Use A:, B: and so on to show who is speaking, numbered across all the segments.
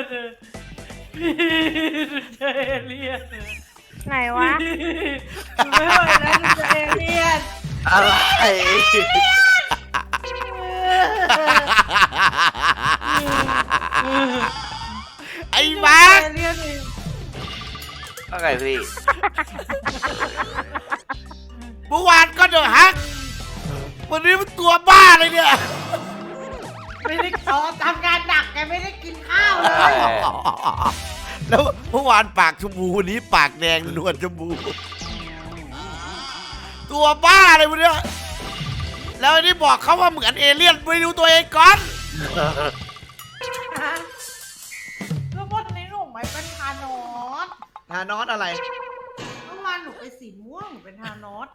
A: เจอเอเลี่ยน
B: ไหนวะ
A: ไม่ไหวแล้วเจอเอเลี่ยน
C: อะไรไอ้มาร์ค
A: เอเลี่ยนอีก
C: ว่าไงพี่เมื่อวานก็เดอะฮักวันนี้มันตัวบ้าเลยเนี่ย
A: ไม่ได้ขอทำงานหนักแกไม่ได้กินข้าวเลย
C: แล้วเมื่อวานปากชมพูวันนี้ปากแดงนวลชมพูตัวบ้าเลยวันนี้แล้วไอ้นี่บอกเขาว่าเหมือนเอเลี่ยนไปดูตัวเองก่อน
A: แล้ววันนี้หนูไม่เป็นทานอส
C: ทานอสอะไร
A: เมื่อวานหนูไปสีม่วงหนูเป็นทานอส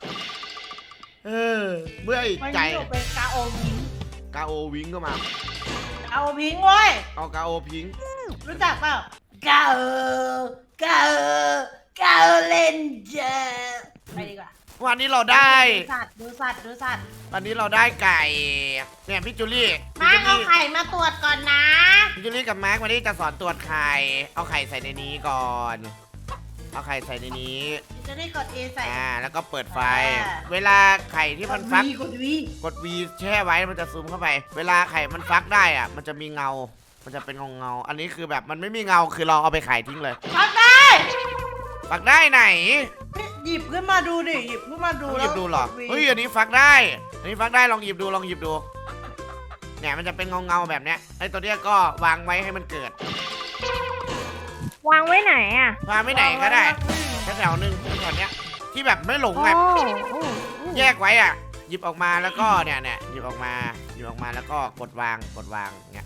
C: เมื่อไอ้
A: วัน
C: ใจ
A: นี้หนูเป็นกาโอวิง
C: กาโอวิงก็มา
A: กาโอพิงเว้ย
C: เอากาโอพิง
A: รู้จักเปล่ากาโอเลนเจอร์ไปดีกว่า
C: วันนี้เราได้
A: ดูสัตว์
C: วันนี้เราได้ไก่เนี่ยพี่จูลี่
A: มาเอาไข่มาตรวจก่อนนะ
C: พี่จูลี่กับมาร์ควันนี้จะสอนตรวจไข่เอาไข่ใส่ในนี้ก่อนเอาไข่ใส่ในนี้
A: จะได้กด A ใส่
C: แล้วก็เปิดไฟ
A: อ่า
C: เวลาไข่ที่มันฟัก
A: กด V
C: กด V แช่ไว้มันจะซูมเข้าไป เวลาไข่มันฟักได้อ่ะมันจะมีเงา มันจะเป็นเงาอันนี้คือแบบมันไม่มีเงาคือเราเอาไปขายทิ้งเลย
A: ฟังได้
C: ฟักได้ไหน
A: หยิบขึ้นมาดูดิหยิบขึ้นมาดู
C: ต้องห
A: แล้
C: ยิ
A: ว
C: บดูเหรอ
A: กด V
C: เฮ้ยอันนี้ฟักได้อันนี้ฟักได้ลองหยิบดูเนี่ยมันจะเป็นเงาแบบเนี้ยไอ้ตัวเนี้ยก็วางไว้ให้มันเกิด
B: วางไว้ไหนอ่ะ
C: วางไม่ไหนก็ได้แถวๆนึงแถวเนี้ยที่แบบไม่หลง
B: โอ้
C: ไง
B: โอ้
C: แยกไว้อ่ะหยิบออกมาแล้วก็เนี่ยหยิบออกมาแล้วก็กดวางเนี่ย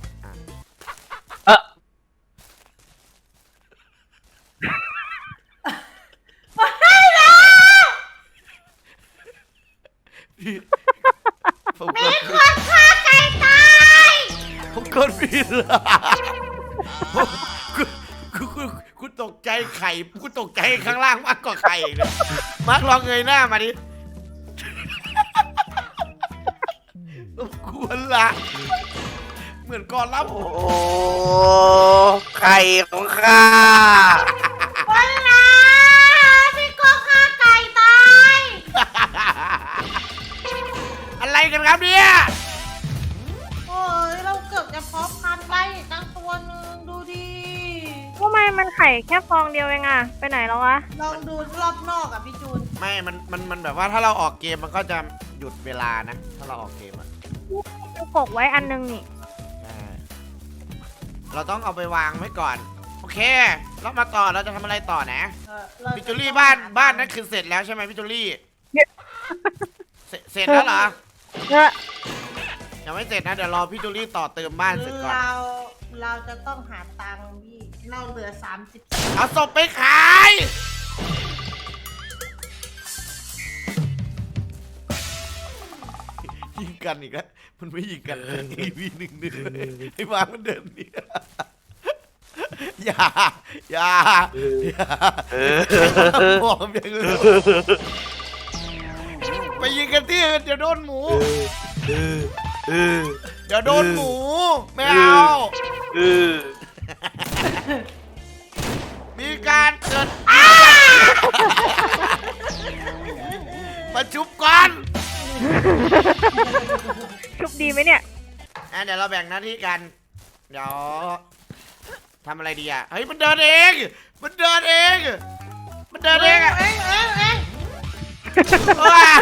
C: ผมกด
A: คนฆ่าไก่ตาย
C: ผมกดผิดคุณตกใจไข่คุณตกใจข้างล่างมากกว่าไข่เลยมาร์คลองเงยหน้ามาดิควรละเหมือนก่อนรับ
D: โอ้ไข่ของข้า
A: วันละพี่ก็ฆ่าไก่ตาย
C: อะไรกันครับเนี่ย
A: โอ้ยเราเกือบจะเพาะพันธุ์ได้อีกตั้งตัวหนึงดูดิ
B: ทำไมมันไข่แค่ฟองเดียวเองอ่ะ ไปไหนแล้ววะ
A: ลองดูรอบนอกอ่ะพี่จูน
C: ไม่มันแบบว่าถ้าเราออกเกมมันก็จะหยุดเวลานะถ้าเราออกเกมอะ
B: ปกไว้อันนึงนี่
C: ใช่เราต้องเอาไปวางไว้ก่อนโอเคแล้วมาต่อเราจะทำอะไรต่อนะ
A: เรา
C: พี่จูลี่บ้านนั้นคือเสร็จแล้วใช่ไหมพี่จูลี่เสร็จแล้วเหรอ
B: เออ
C: ยังไม่เสร็จนะเดี๋ยวรอพี่จูลี่ต่อเติมบ้านเสร็จก่อน
A: เราจะต้องหาตังค์พี่เราเหลือ30
C: เอาศพไปขายยิงกันอีกแล้วมันไม่ยิงกันทีวีหนึ่งไอ้มามันเดินหนี่อย่าบอกอย่างอื่นไปยิงกันที่อื่นเดี๋ยวโดนหมูเดี๋ยวโดนหมูไม่เอามีการเกิดมาชุบก่อน
B: ชุบดีไหมเนี่ย
C: เดี๋ยวเราแบ่งหน้าที่กัน เดี๋ยวทำอะไรดีอ่ะ เฮ้ยมันเดินเอง มันเดินเองอะ
A: เอง
C: ว้า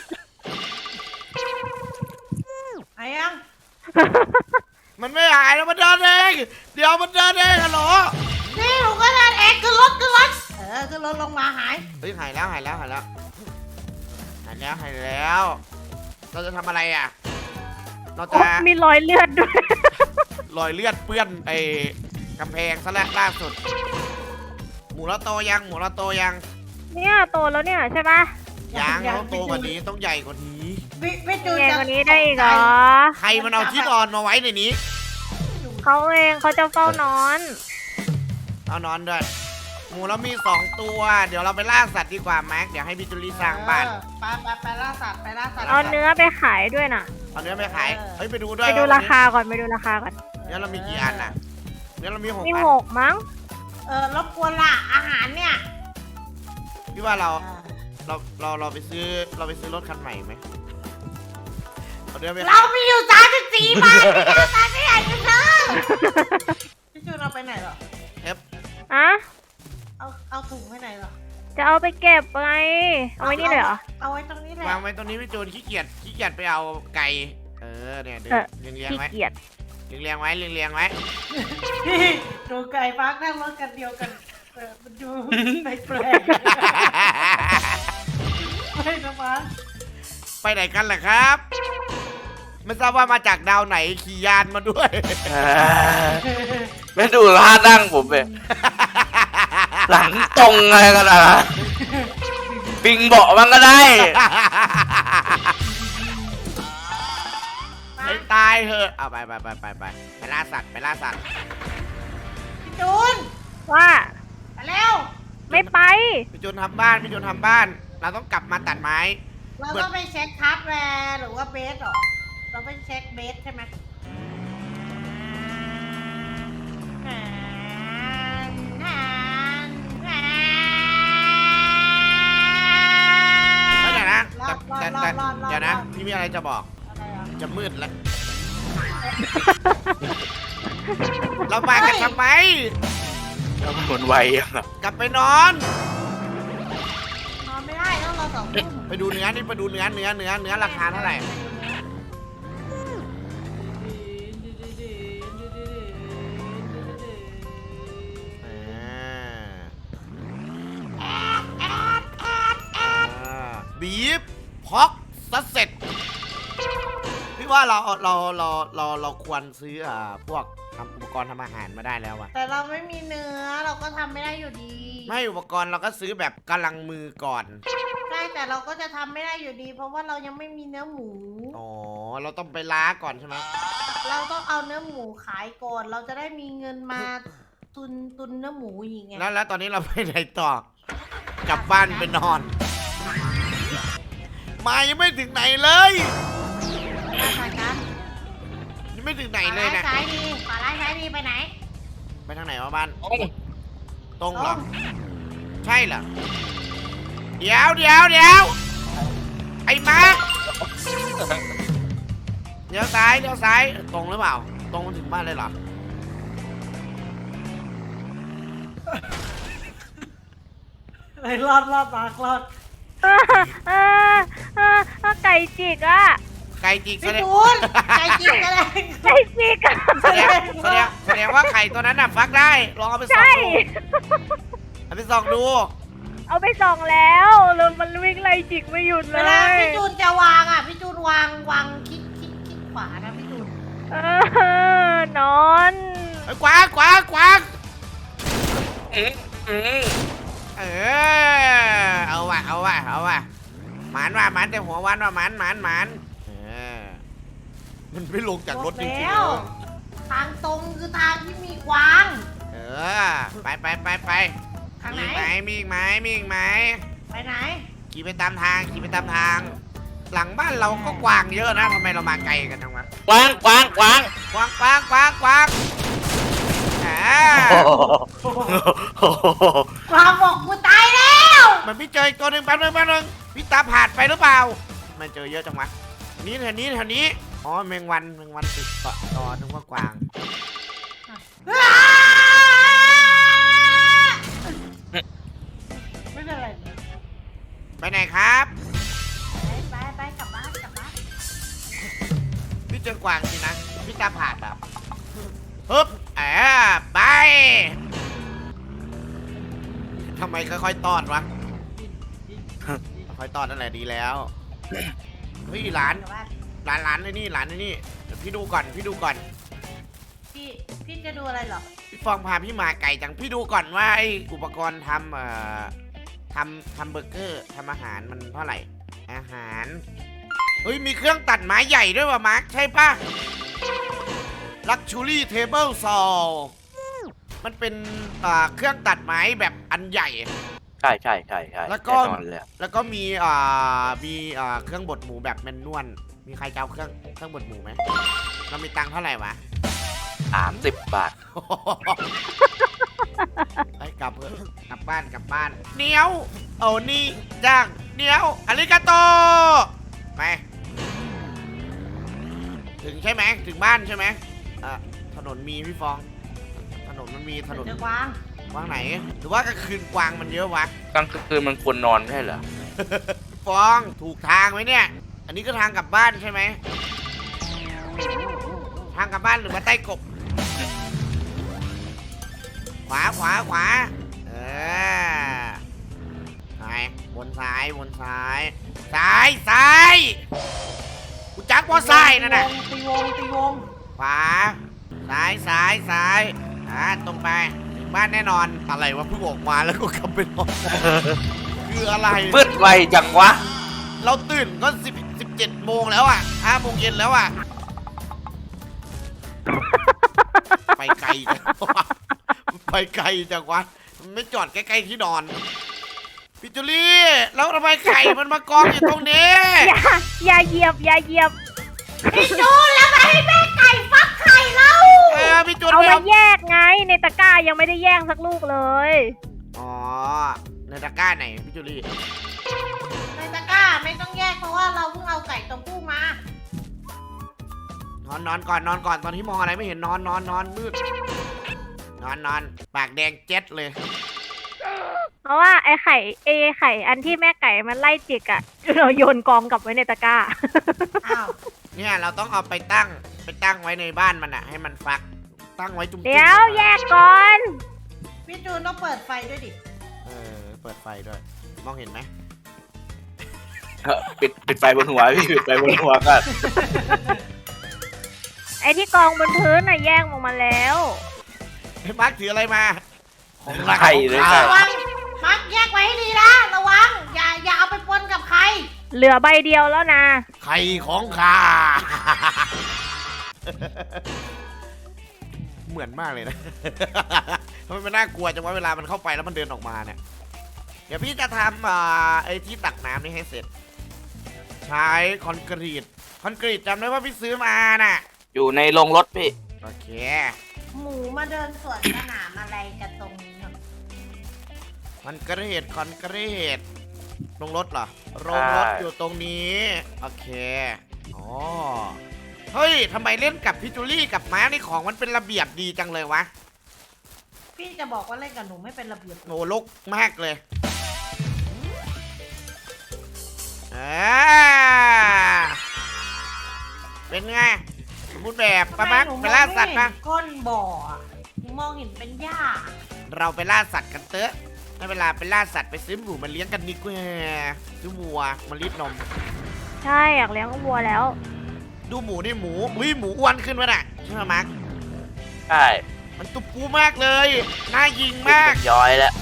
A: ไอ้ยัง
C: มันไม่หายแล้วมันเดินเอง เดี๋ยวมันเดินเองอะเหรอ
A: นี่หนูก็เดินเองขึ้นรถขึ้นรถลงมาหาย
C: เฮ้ยหายแล้ว เราจะทำอะไรอ่ะ เราจะ
B: โอ๊ยมีรอยเลือดด้วย
C: รอยเลือดเปื้อนไอ้กำแพงซะแล้วล่าสุด หมูเราโตยัง
B: เนี่ยโตแล้วเนี่ยใช่ปะ
C: ยังต้องโตกว่านี้ต้องใหญ่กว่านี้
A: พี่จูน
B: แย่
A: จะ
B: กว่านี้ได้อีกเหรอ
C: ใครมันเอาที่นอนมาไว้ในนี้
B: เขาเองเขาจะเฝ้านอน
C: เอานอนด้วย หมูเรามี2ตัว เดี๋ยวเราไปล่าสัตว์ดีกว่าแม็ก เดี๋ยวให้พี่จุลีสร้างบ้าน
A: ไปล่าสัตว์
B: เอาเนื้อไปขายด้วยน่ะ
C: เอาเนื้อไปขาย เฮ้ยไปดูด้วย
B: ไปดูราคาก่อน
C: เนื้อเรามีกี่อันอ่ะ มีเนี่ยเรามี6
B: มี
C: อัน
B: 6มั้ง
A: รบกวนละอาหารเนี่ย
C: พี่ว่าเราไปซื้อรถคันใหม่ไหมเอาเดี๋ยวไป
A: เรามีอยู่34 บาทพี่อยากจะซื้อพี่จูนเอาไปไหนเหรอ
B: อะ
A: เอาถุงไปไหนเหรอ
B: จะเอาไปเก็บไงเอาไว้นี่เลยเหรอ
A: เอาไว้ตรงนี้แหละ
C: วางไว้ตรงนี้พี่จูนขี้เกียจไปเอาไก่เนี่ยเรียง
B: ขี้
C: ไว้
B: เกียจ
C: เรียงไว้ไว้
A: ดูไก่ฟักนั่งรถกันเดียวกันมันดูแปลกไม่นะฟัก
C: ไปไหนกันล่ะครับ ไม่ทราบว่ามาจากดาวไหนขี่ยานมาด้วย
D: ไม่ดูท่านั่งผมเลยหลังตรงอะไรกันอ่ะปิงเบาะมันก็ได้
C: ให้ตายเถอะเอาไปล่าสัตว์
A: พี่จูน
B: ว่า
A: ไปเร็ว
B: ไม่ไป
C: พี่จูนทำบ้านเราต้องกลับมาตัดไม้
A: เราต้องไปเช็คฮาร์ดแวร์หรือว่าเบสหรอเราไปเช็คเบสใช่ไหม
C: ไม่ไหนนะ
A: รอด
C: แต่เดี๋ยวนะ พี่มีอะไรจะบอก
A: อะไรอ่ะ
C: จะมืดแล้ว เรามากันทำไม
D: แล้วมันหมุนไวอ่ะ
C: กลับไปนอน
A: นอนไม่ได้ต้องรอ2 ทุ่ม
C: ไปดูเนื้อนี่ไปดูเนื้อราคาเท่าไหร่ บีฟพอกซัสเซ็ตพี่ว่าเราควรซื้อพวกทำอุปกรณ์ทำอาหารมาได้แล้วอะ
A: แต่เราไม่มีเนื้อเราก็ทำไม่ได้อยู่ดี
C: ไม่อุปกรณ์เราก็ซื้อแบบกำลังมือก่อน
A: ใช่แต่เราก็จะทำไม่ได้อยู่ดี เพราะว่าเรายังไม่มีเนื้อหมู
C: อ๋อเราต้องไปล้าก่อนใช่ไหม
A: เราต้องเอาเนื้อหมูขายก่อน เราจะได้มีเงินมาตุนเนื้อหมูอย่างเงี้ย
C: แล้วตอนนี้เราไปไหนต่อกลับบ้านไปนอนมายังไม่ถึงไหนเลย
A: ใช่ครับ
C: ยังไม่ถึงไหน
A: ขวา
C: เลย
A: ร้าย
C: นะ
A: ซ้ายดีขวาร้ายซ้ายดีไปไหน
C: ไปทางไหนวะบ้าน
D: โอ้ย
C: ตรงเหรอ
A: ตรง
C: ใช่เหรอเดี๋ยวไอ้มาร์คเลี้ยวซ้ายตรงหรือเปล่า ตรงถึงบ้านเลยเหรอ
A: เลยรอดมากรอด
B: ไก่จิกอ่ะ
C: ไก่จิกแส
A: พี่
C: ดง
A: จูนใจจริงกันเลย
B: ไก่จิกอะ
C: แสดงว่าไข่ตัวนั้นน่ะฟักได้ ลองเอาไปส่อง
B: ใช่
C: ดูเอาไปส่องดู
B: เอาไปส่องแล้วมันวิ่งไล่จิกไม่หยุด
A: เว
B: เล
A: ลาย พี่จูนจะวางอ่ะพี่จูนวางคิดขวานะพี่จูน
B: นอน
C: ไอ้ยกวางเอาว่ะหมานแต่หัววันว่ะหมานมันไม่ลงจากรถจริงๆ
A: แล้วทางตรงคือทางที่มีกวาง
C: ไป
A: ทางไหน
C: มีอีกไหม
A: ไปไหน
C: ขี่ไปตามทาง หลังบ้านเราก็กวางเยอะนะทำไมเรามาไกลกันจังวะ
D: กวาง
C: กวาง
A: กวางบอกกูตายแล้ว
C: มันพี่เจออีกตัวหนึ่งแป๊บนึงพี่ตาผ่านไปหรือเปล่าไม่เจอเยอะจังวะนี่แถวนี้อ๋อแมงวันติดเกาะตอนึกว่ากวาง
A: ไม่เป็นไร
C: ไปไหนครับ
A: ไปกลับบ้าน
C: พี่เจอกวางสินะพี่ตาผ่านแบบฮึบไปทำไมค่อยๆตอดวะค่อยๆตอดนั่นแหละดีแล้วเฮ้ยร้านไอ้นี่เดี๋ยวพี่ดูก่อน
A: พี่จะดูอะไรเหรอ
C: พี่ฟองพาพี่มาไก่จังพี่ดูก่อนว่าไอ้อุปกรณ์ทำเบอร์เกอร์ทำอาหารมันเท่าไหร่อาหารเฮ้ยมีเครื่องตัดไม้ใหญ่ด้วยว่ะมาร์คใช่ปะ Luxury Table Saw มันเป็นเครื่องตัดไม้แบบอันใหญ่
D: ใช่
C: แล้วก็
D: แน่นอนเลย
C: แล้วก็มีเครื่องบดหมูแบบแมนนวลมีใครจะเอาเครื่องบดหมูไหมเรามีตังค์เท่าไหร่วะ
D: 30 บาท
C: ไปกลับเถอะกลับบ้านกลับบ้านเนียวเอานี่จ้างเนียวอาริกาโตไปถึงใช่ไหมถึงบ้านใช่ไหมถนนมีพี่ฟองถนนมันมีถนน
A: เจอกวาง
C: กวางไหนหรือว่ากลางคืนกวางมันเยอะวะ
D: กลางคืนมันควรนอนไม่ใช่เหรอ
C: พี่ฟองถูกทางไหมเนี่ย อันนี้ก็ทางกลับบ้านใช่ไหมทางกลับบ้านหรือว่าใต้กบขวาขวาขวาซ้ายวนซ้ายวนซ้ายซ้ายซ้ายกูจักว่าซ้ายนั่นน่ะ
A: ตีวง
C: ขวาซ้ายซ้ายซ้ายตรงไปถึงบ้านแน่นอนอะไรวะเพิ่งออกมาแล้วก็กลับไปนอน คืออะไร
D: มืดไวจังวะ
C: เราตื่นก็17 โมงแล้วอ่ะ5 โมงเย็นแล้วอ่ะ ไปไกลจังวะไปไกลจังวะมันไม่จอดใกล้ๆที่นอนพี่จุลี่แล้วทำไมไข่มันมากองอยู่ตรงนี้
B: อย่าเหยียบอย่าเหยียบ
A: พี่จูนแล้วมาให้แม่ไก่ฟักไข่เรา
C: พี่จุล
B: เอา
C: ไม่
B: มาแยกไงในตะกร้ายังไม่ได้แยกสักลูกเลย
C: อ๋อในตะกร้าไหนพี่จุลี่
A: ในตะกร้าไม่ต้องแยกเพราะว่าเราเพิ่งเอาไก่ตัวผู้มาน
C: อนก่อนนอนก่อนตอนที่มองอะไรไม่เห็นนอนมืดนอนปากแดงเจ็ดเลย
B: เพราะว่าไอ้ไข่อันที่แม่ไก่มันไล่จิกอะเราโยนกองกลับไว้ในตะกร้า
A: อ้าว
C: เนี่ยเราต้องเอาไปตั้งไว้ในบ้านมันอะให้มันฟักตั้งไว้จุ่มๆ
B: เดี๋ยวแยกก่อน
A: พี่จูนต้องเปิดไฟด้วยดิ
C: เปิดไฟด้วยมองเห็นไหม
D: ปิดไฟบนหัวพี่ปิดไฟบนหัวกัน
B: ไอ้ที่กองบนพื้นน่ะแยกออกมาแล้ว
C: ไอ้มาร์คถืออะไรมาของรัก
D: ไข่เลย
C: ของ
D: ค่ะ
A: ระวังมัดแยกไว้ให้ดีนะระวังอย่าเอาไปปนกับใคร
B: เหลือใบเดียวแล้วนะ
C: ไข่ของข้า เหมือนมากเลยนะ ทำไมมันน่ากลัวจังวะเวลามันเข้าไปแล้วมันเดินออกมาเนี่ย เดี๋ยวพี่จะทำไอ้ที่ตักน้ำนี่ให้เสร็จ ใช้คอนกรีตจำได้ว่าพี่ซื้อมาน่ะ
D: อยู่ในโรงรถพี่
C: โอเค
A: หมูมาเดินสวนสนามอะไรกันตรงนี้เนาะ
C: คอนกรีตลงรถเหรอโรงรถ
D: ใช่
C: อยู่ตรงนี้ โอเคอ๋อเฮ้ยทำไมเล่นกับพี่จูลี่กับม้านี่ของมันเป็นระเบียบดีจังเลยวะ
A: พี่จะบอกว่าเล่นกับหนูไม่เป็นระเบียบ
C: โอ้ลกมากเลยเป็นไงพูดแบบปะมักไปล่าสัตว์ปะ
A: ก้นบ่ออะหนูมองเห็นเป็นหญ้า
C: เราไปล่าสัตว์กันเตอะได้เวลาไปล่าสัตว์ไปซื้อหมูมาเลี้ยงกันดีกว่าซื้อวัวมารีดนม
B: ใช่อยากเลี้ยงวัวแล้ว
C: ดูหมูนี่หมูอุ้ยหมูอ้วนขึ้นวะน่ะใช่ไหมมาร์ค
D: ใช่
C: มันตุบปูมากเลยน่ายิงมาก
D: ย้อยแล้ว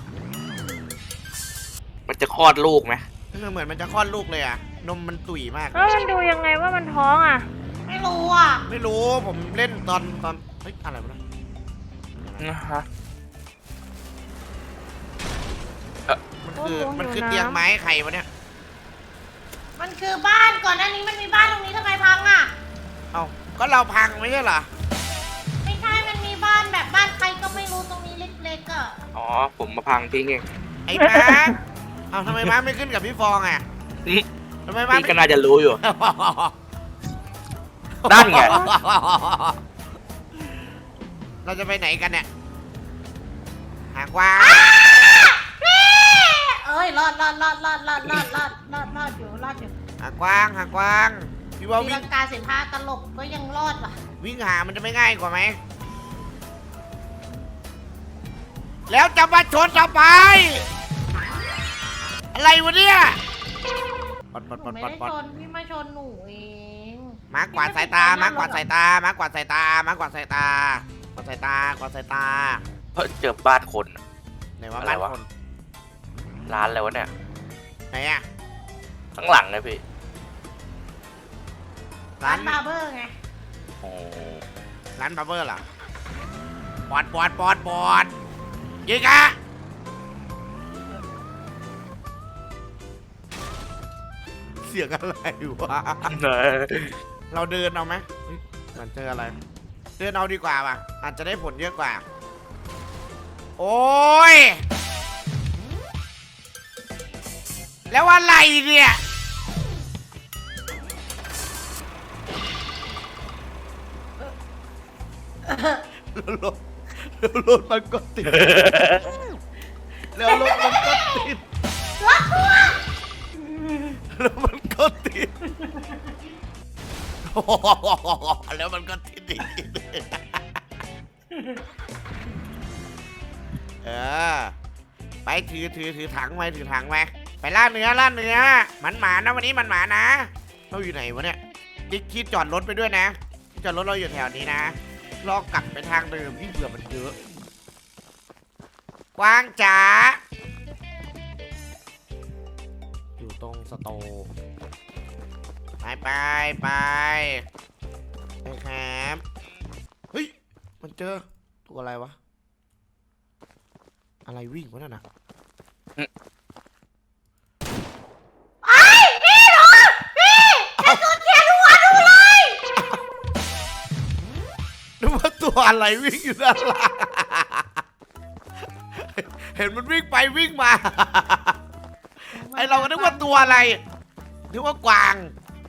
D: มันจะคลอดลูกไหม
C: เหมือนมันจะคลอดลูกเลยอะนมมันตุ๋ยมาก
B: แล้วมันดูยังไงว่ามันท้องอ่ะ
A: ไม่รู้อ่ะ
C: ไม่รู้ผมเล่นตอนเฮ้ยอะไรวะนะ
D: นะฮะ
C: มันคือเตียงไม้ไข่วะเนี่ย
A: มันคือบ้านก่อนหน้านี้มันมีบ้านตรงนี้ทำไมพังอ่ะ
C: เอ้าก็เราพังไม่ใช่เหรอ
A: ไม่ใช่มันมีบ้านแบบบ้านใครก็ไม่รู้ตรงนี้เล็กๆอ่ะ
D: อ๋อ ผมมาพังทิ้งเอง
C: ไอ้ม้าเอ้าทำไมม้าไม่ขึ้นกับพี่ฟองอ่ะทำไมม้า
D: พี่
C: ไม่
D: ก็น่าจะรู้อยู่ นั่นไง
C: เราจะไปไหนกันเนี่ยหากว่า
A: เอ้ยรอดอยู่
C: หากว้างพี่ว่า
A: ตี
C: วิ่
A: ลั
C: ง
A: งกาสินผ้าตลกก็ยังรอดว่ะ
C: วิ่งหามันจะไม่ง่ายกว่าไหมแล้วจะมาชนทำไมอะไรวะเนี่ยปอด
A: หนูไม่ได้ชนพี่มาชนหนูเอง
C: มากกว่าดสายตามากกว่าดสายตามากกว่าดสายตามากกว่าดสายตากวาดสายตากวาดสายตา
D: เพราะเจอบ้านคน
C: ไหนว่า
D: อะไร
C: บ้าน
D: วะ
C: คน
D: ร้านอะไรวะเนี่ย
C: ไหนอะ
D: ข้างหลังเลยพี่
A: ร้านบาร์เบอร์ไง
D: โอ้
C: ร้านบาร์เบอร์เหรอปอดยิงอะเสียงอะไรวะเราเดินเอาไหมเฮ้ยมันเจออะไรเดินเอาดีกว่าว่ะอาจจะได้ผลเยอะกว่าโอ้ยแล้วอะไรเนี่ยรถมันก็ติดแล้วรถมันก็ติดแล้วมันก็ติดแล้วมันก็ติดอีกไปถือถังไว้ถือถังไว้ไปล่าเนื้อมันหมานะวันนี้มันหมานะเราอยู่ไหนวะเนี่ยดิ๊กคิดจอดรถไปด้วยนะจอดรถเราอยู่แถวนี้นะลองกลับไปทางเดิมที่เบื่อมันเยอะกวางจ๋าอยู่ตรงสโตร์ไปครับเฮ้ยมันเจอตัวอะไรวะอะไรวิ่งวะนั่นน่ะนึกว่าตัวอะไรวิ่งอยู่ด้านล่างเห็นมันวิ่งไปวิ่งมาไอเราก็นึกว่าตัวอะไรนึกว่ากวาง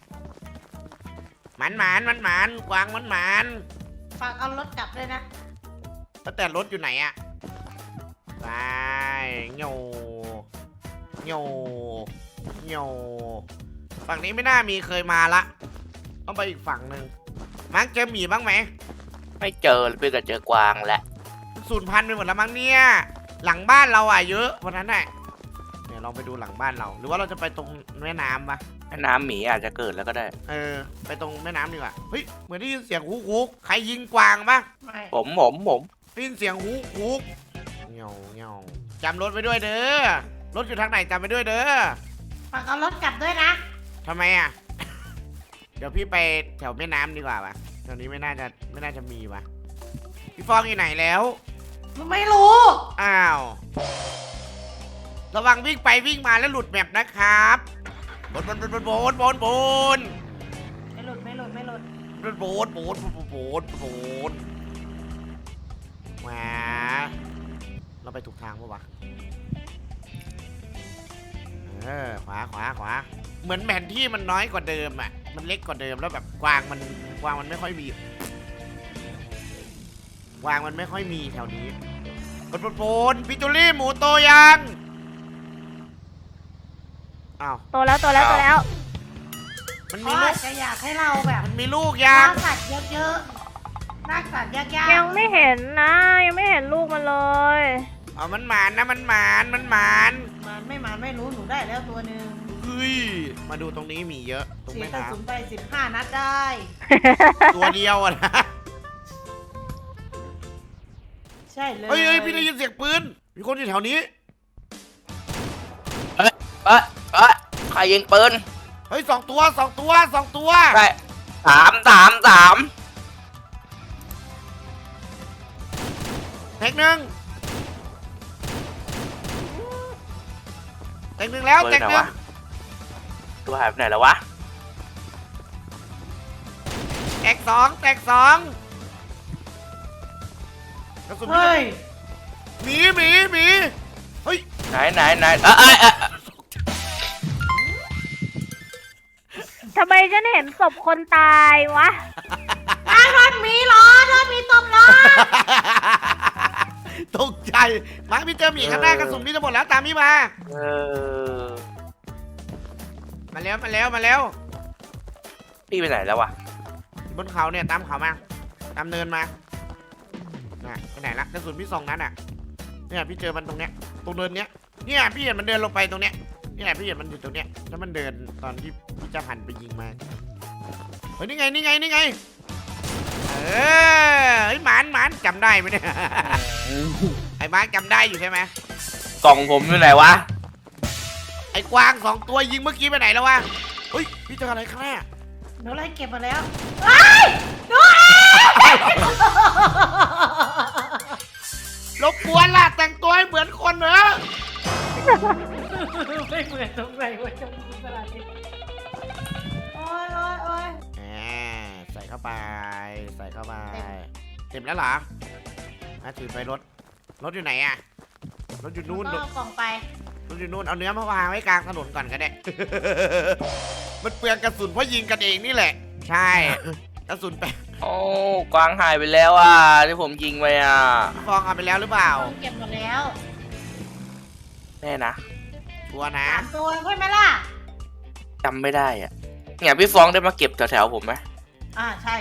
C: หมานกวางหมาน
A: ฝากเอารถกลับเลยนะ
C: แล้วแต่รถอยู่ไหนอะไปโยฝั่งนี้ไม่น่ามีเคยมาละต้องไปอีกฝั่งหนึ่งมั้งเจอหมีบ้างไหม
D: ไม่เจอเลยเพื่อนก็เจอกวางแหละ
C: สูญพันธุ์ไปหมดแล้วมั้งเนี่ยหลังบ้านเราอ่ะเยอะเพราะนั้นแหละเดี๋ยวเราไปดูหลังบ้านเราหรือว่าเราจะไปตรงแม่น้ำปะ
D: แม่น้ำหมีอาจจะเกิดแล้วก็ได้
C: ไปตรงแม่น้ำดีกว่าเฮ้ยเหมือนได้ยินเสียงฮุกใครยิงกวางปะ
A: ไม่
D: ผม
C: ได้ยินเสียงฮุกเงาจำรถไปด้วยเด้อรถอยู่ทางไหนจำไปด้วยเด้อ
A: ฝากเอารถกลับด้วยนะ
C: ทำไมอ่ะ เดี๋ยวพี่ไปแถวแม่น้ำดีกว่าปะแถวนี้ไม่น่าจะมีปะพี่ฟองอยู่ไหนแล้ว
A: ไม่รู้
C: อ้าวระวังวิ่งไปวิ่งมาแล้วหลุดแมปนะครับบน
A: ไม่หลุด
C: โบนโบนมาเราไปถูกทางปะวะขวาเหมือนแผนที่มันน้อยกว่าเดิมอ่ะมันเล็กกว่าเดิมแล้วแบบกวางมันไม่ค่อยมีแถวนี้บนพิจูรี่หมูโตยังอ้าว
B: โตแล้ว
C: มัน
A: เพ
C: มี
A: ราะ
C: ลู
A: อาก จจะอยากให้เราแบบ
C: มันมีลูกยัง
A: ล่าสัตว์เยอะๆล่าสัตว์ยากๆ
B: ยังไม่เห็นนะ ยังไม่เห็นลูกมันเลย
C: อ๋อมันหมานนะมันหมาน
A: มันไม่รู้หนูได้แล้วตัวหนึ่ง
C: เฮ้ยมาดูตรงนี้มีเยอะตรง
A: เสีย
C: แม่
A: กระ
C: น้
A: สุนไป15 นัดได้
C: ำตัวเดียวอะนะ
A: ใช่เลย
C: เฮ้ยพี่ได้ยินเสียงปืนมีคนอยู่แถวนี้
D: ใครยิงปืน
C: เฮ้ยสองตัว
D: ใช่สาม
C: แท็กหนึ่งแล้ว
D: ปืน
C: แท็ก
D: ไหน
C: หนึ่
D: วะ
C: ง
D: ตัวหายไปไหนแล้ววะ
C: แท็กสองกระสุน
A: เฮ้ย
C: หมีเฮ้ย
D: ไหน
B: ทำไมฉันเห็นศพคนตายวะ
A: รถมีเหรอรถมีตบเหรอ
C: ตกใจมาร์คพี่เจอหมีข้างหน้ากระสุนพี่จะหมดแล้วตามพี่มา มาแล้ว
D: พี่ไปไหนแล้ววะ
C: บนเขาเนี่ยตามเขามาตามเนินมาน่ะไปไหนละกระสุนพี่2 นัดอ่ะเนี่ยพี่เจอมันตรงเนี้ยตรงเนินเนี้ยเนี่ยพี่เห็นมันเดินลงไปตรงเนี้ยเนี่ยพี่เห็นมันอยู่ตรงเนี้ยแล้วมันเดินตอนที่พี่จะหันไปยิงมาเฮ้ยนี่ไงเฮ้ยหมานจำได้ไหมเนี่ย ไอ้มาร์คจำได้อยู่ใช่ไหม
D: กล่องผมอยู่ไหนวะ
C: ไอ้กวาง2 ตัวยิงเมื่อกี้ไปไหนแล้ววะเฮ้ยพี่เจออะไรข้างหน้า
A: หนูไล่เก็บมาแล้วเฮ้ยดูเอง
C: รบกวนล่ะแต่งตัวให้เหมือนคนเหรอ
A: ไม่เหมือนตรงไหนวะจงสลัดดิโอ้ย
C: ใส่เข้าไปแล้วเหรอถือไปรถอยู่ไหนอะรถอยู่นู่น
A: ก็เอากล่องไป
C: รถอยู่นู่นเอาเนื้อมาวางไว้กลางถนนก่อนก็ได้ มันเปลืองกระสุนเพราะยิงกันเองนี่แหละ ใช่กระสุนไป
D: โอ้กวางหายไปแล้วอ่ะที่ผมยิงไปอ่ะ
C: ฟองเอาไปแล้วหรือเปล่า
A: เก็บหมดแล้ว
D: แน่นะ
C: ชัวร์นะ
A: 3 ตัวใช่ไหมล่ะ
D: จำไม่ได้อ่ะเนี่ยพี่ฟองได้มาเก็บแถวๆผมไหม
A: ใช่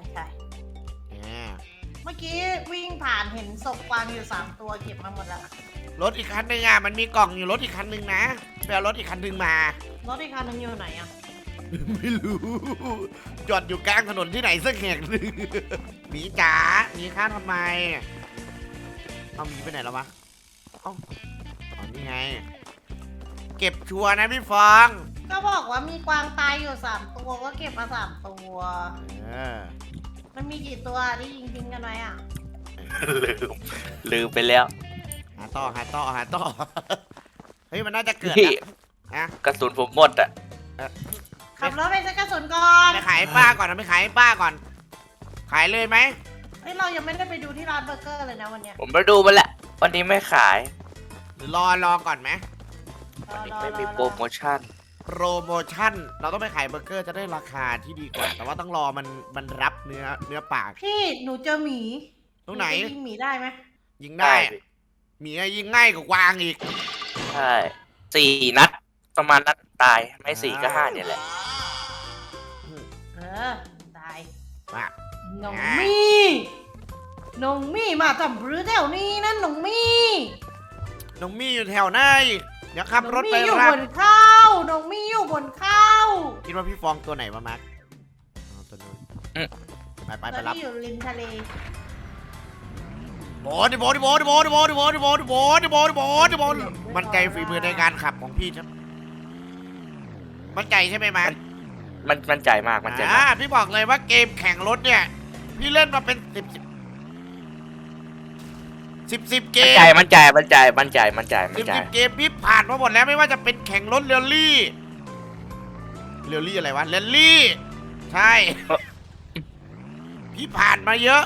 A: เมื่อกี้วิ่งผ่านเห็นศพกวางอยู่3 ตัวเก็บมาหมดแล้ว
C: รถอีกคันหนึ่งอ่ะมันมีกล่องอยู่รถอีกคันหนึ่งนะไปเอารถอีกคันหนึ่งมา
A: รถอีกคันนึงอยู่ไหนอ่ะ
C: ไม่รู้จอดอยู่กลางถนนที่ไหนสักแห่งหนึ่งหมีจ๋าหมีข้าทำไมเอาหมีไปไหนแล้ววะเอ้านี่ไง เก็บชัวร์นะพี่ฟอง
A: ก็บอกว่ามีกวางตายอยู่3 ตัวก็เก็บมา3 ตัว มันมีกี่ตัวที่ยิงทิ้งกันไว้อ่ะ
D: ลืมไปแล้ว
C: หาต่อเฮ้ยมันน่าจะเกิด
D: พี่
C: นะ
D: กระสุนผมหมดอ่ะ
A: ขับรถไปซื้อกระสุนก่อน
C: ไปขายให้ป้าก่อนนะไปขายให้ป้าก่อน ขายเลยไหม
A: เฮ้ยเรายังไม่ได้ไปดูที่ร้านเบอร์เกอร์เลยนะวันเนี้ย
D: ผมไปดูมาแล้ววันนี้ไม่ขาย
C: หรือรอก่อนไหม
D: วันนี้ไม่มีโปรโมชั่น
C: โปรโมชั่นเราต้องไปขายเบอร์เกอร์จะได้ราคาที่ดีกว่า แต่ว่าต้องรอมันรับเนื้อปาก
A: พี่หนูเจอหมี
C: ตรงไหน
A: จะยิงหมีได้ไหม
C: ยิงได้อะหมีอะยิงง่ายกว่ากวางอีก
D: ใช่4 นัด ประมาณนัดตายไม่4ก็5เนี่ยแหละ
A: เออได้
C: มา
A: น้องมี่น้องมี่มาทำหรือแถวนี้นั่นน้องมี่
C: น้องมี่อยู่แถวไหนเดี๋ยวขับรถไป
A: น้องมี่อยู่
C: รับบ
A: นเข้าน้องมี่อยู่บนเข้า
C: คิดว่าพี่ฟองตัวไหนมามาร์คอ๋อตัวนู้น
D: อืม
C: ไป
A: ตอน
C: รับ
A: ที่อยู่ริมทะเล
C: โบมันใจฝีมือในการขับของพี่ใช่ไหมมันใจใช่ไหมมาร์ค
D: มันใจมากมันใจมาก
C: พี่บอกเลยว่าเกมแข่งรถเนี่ย พี่เล่นมาเป็น10เกม
D: มันใจ
C: 10 เกมพี่ผ่านมาหมดแล้วไม่ว่าจะเป็นแข่งรถเรลลี่อะไรวะเรลลี่ ใช่ พี่ผ่านมาเยอะ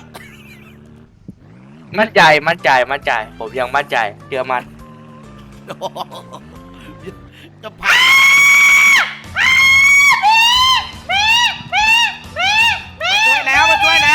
D: มั่นใจ ผมยังมั่นใจเชื่อมัน
C: จะผ่าน มาช่วยแล้ว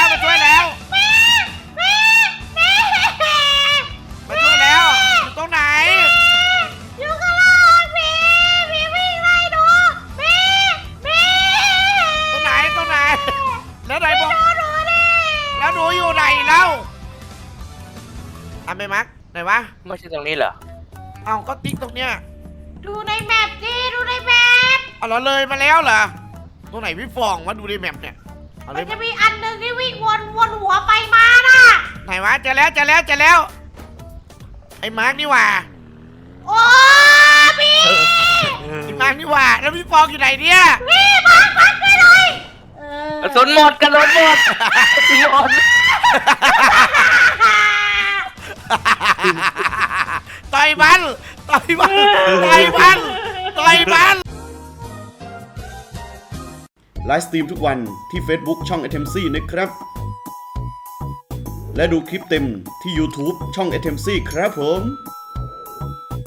C: อยู่ตรงไหน
A: อยู่ข้างล่างพี่วิ่งไล่ดูพี่
C: ตรงไหน แล้วไหนบอกแล้วหนูอยู่ไหนแล้วทำไปมั้ยไหนวะ
D: ไม่ใช่ตรงนี้เหรอ
C: เอาก็ติ๊กตรงเนี้ย
A: ดูในแมปดิดูในแมป
C: เอาเราเลยมาแล้วเหรอตรงไหนพี่ฟองวะดูในแมปเนี่ยเอาเล
A: มัน
C: ย
A: จะมีอันหนึ่งที่วิ่งวนหัวไปมาน่ะ
C: ไหนวะเจอแล้วไอ้มาร์กนี่หว่า
A: โอ้พี่
C: ไอ้มาร์กนี่หว่าแล้วพี่ฟองอยู่ไหนเนี่ย
A: พี่มาไปเลยเออก
D: ระสุนหมด
C: ต่อยมัน
E: ไลฟ์สตรีมทุกวันที่ Facebook ช่อง a t e m c นะครับ และดูคลิปเต็มที่ YouTube ช่อง a t e m c ครับผม